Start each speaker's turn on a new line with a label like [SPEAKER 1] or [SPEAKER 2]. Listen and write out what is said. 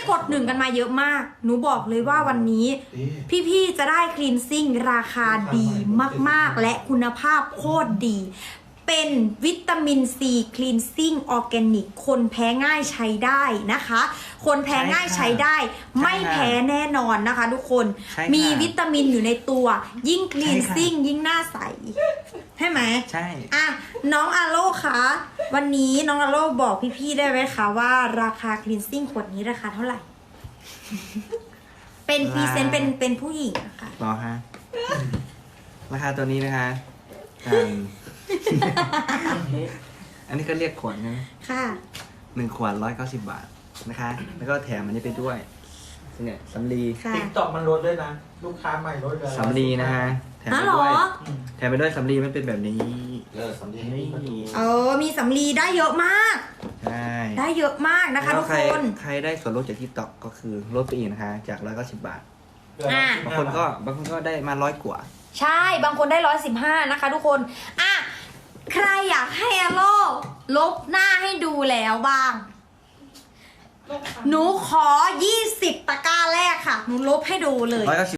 [SPEAKER 1] กด1กันมาเยอะมากหนูบอกเลยว่าวันนี้พี่ๆจะได้คลีนซิ่งราคาดีมากๆและคุณภาพโคตรดีเป็นวิตามินซีคลีนซิ่งออร์แกนิกคนแพ้ง่ายใช้ได้นะคะคนแพ้ง่ายใช้ได้ไม่แพ้แน่นอนนะคะทุกคนมีวิตามินอยู่ในตัวยิ่งคลีนซิ่งยิ่งหน้าใสใช่ไหม
[SPEAKER 2] ใช่
[SPEAKER 1] อ่ะน้องอาโลคะวันนี้น้องอาโลบอกพี่ๆได้ไหมคะว่าราคาคลีนซิ่งขวดนี้ราคาเท่าไหร่ เป็นพรีเซนต์เป็นผู้หญิงนะคะ
[SPEAKER 2] รอฮะราคาตัวนี้นะคะอันนี้ก็เรียกขวดนะ
[SPEAKER 1] ค่ะ
[SPEAKER 2] 1 ขวด190 บาทนะคะ แล้วก็แถมอันนี้ไปด้วยเนี่ยสำลี
[SPEAKER 3] ติ๊กต็อกมันลดด้วยนะลูกค้าใหม่ลดเลย
[SPEAKER 2] สำลีนะฮะแถมไปด้วยแถมไปด้วยสำลีมันเป็นแบบนี้
[SPEAKER 3] สำลี
[SPEAKER 1] มีสำลีได้เยอะมาก
[SPEAKER 2] ใช่
[SPEAKER 1] ได้เยอะมากนะคะทุกคน
[SPEAKER 2] ใครได้ส่วนลดจากที่ต็อกก็คือลดไปอีกนะคะจาก190 บาท
[SPEAKER 1] อ่ะ
[SPEAKER 2] บางคนก็ได้มา100 กว่า
[SPEAKER 1] ใช่บางคนได้115นะคะทุกคนอ่ะใครอยากให้อาโลลบหน้าให้ดูแล้วบ้างหนูขอ20 ตะกร้าแรกค่ะหนูลบให้ดูเลย
[SPEAKER 2] 190